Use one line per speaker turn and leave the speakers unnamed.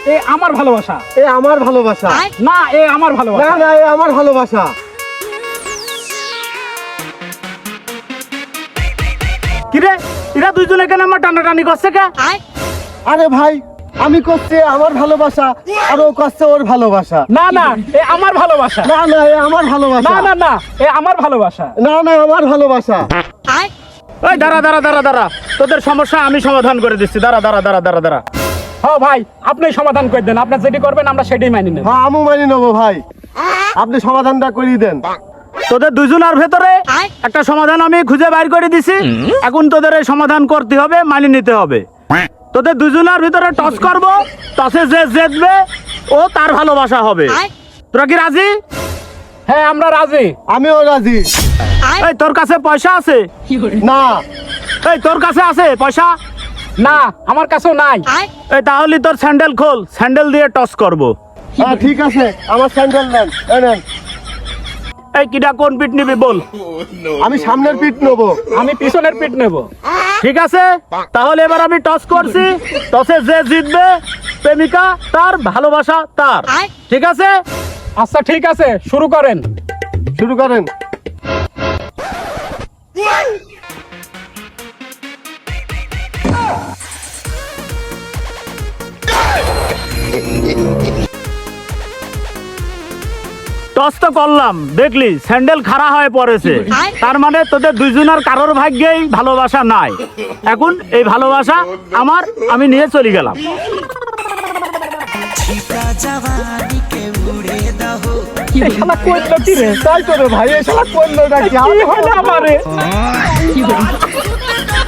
এ আমার ভালোবাসা।
এ আমার ভালোবাসা।
না, এ আমার ভালোবাসা।
না না, এ আমার ভালোবাসা।
কিরে, এরা দুইজন এখানে আমার টানাটানি করছে কে?
আরে ভাই, আমি করছি আমার ভালোবাসা আর ও করছে ওর ভালোবাসা।
না না, এ আমার ভালোবাসা।
না না, এ আমার ভালোবাসা।
না না না, এ আমার ভালোবাসা।
না না, আমার ভালোবাসা।
ওই দাঁড়া দাঁড়া দাঁড়া দাঁড়া, তোদের সমস্যা আমি সমাধান করে দিচ্ছি। দাঁড়া দাঁড়া দাঁড়া দাঁড়া দাঁড়া। হ্যাঁ ভাই, আপনি সমাধান করে দেন। আপনি যেটি করবেন আমরা সেটাই মানি নেব।
হ্যাঁ, আমি মানি নেবো ভাই, আপনি সমাধানটা করিয়ে দেন।
তোদের দুজনের ভেতরে একটা সমাধান আমি খুঁজে বাইর করে দিছি। এখন তোদের এই সমাধান করতে হবে, মানি নিতে হবে। তোদের দুজনের ভিতরে টস করব, টসে যে জিতবে ও তার ভালোবাসা হবে। তোরা কি রাজি? হ্যাঁ, আমরা রাজি।
আমিও রাজি।
এই তোর কাছে পয়সা আছে?
না।
এই তোর কাছে আছে পয়সা? না, আমার কাছেও নাই। এই তাহলে তোর স্যান্ডেল খোল, স্যান্ডেল দিয়ে টস করব।
হ্যাঁ ঠিক আছে, আমার স্যান্ডেল নেন। এই নেন।
এই কিটা কোন পিঠ নিবি বল?
আমি সামনের পিঠ নেবো।
আমি পিছনের পিঠ নেব। ঠিক আছে, তাহলে এবার আমি টস করছি। টসে যে জিতবে প্রেমিকা তার, ভালোবাসা তার। ঠিক আছে? আচ্ছা ঠিক আছে, শুরু করেন।
শুরু করেন।
টস তো করলাম, দেখলি স্যান্ডেল খাড়া হয়ে পড়েছে। তার মানে তোদের দুইজনের কারোর ভাগ্যেই ভালোবাসা নাই। এখন এই ভালোবাসা আমার, আমি নিয়ে চলে গেলাম। এই শালা কইলো কি রে?
তাই তো রে ভাই, এই শালা করলো নাকি?
কি হলো আমারে?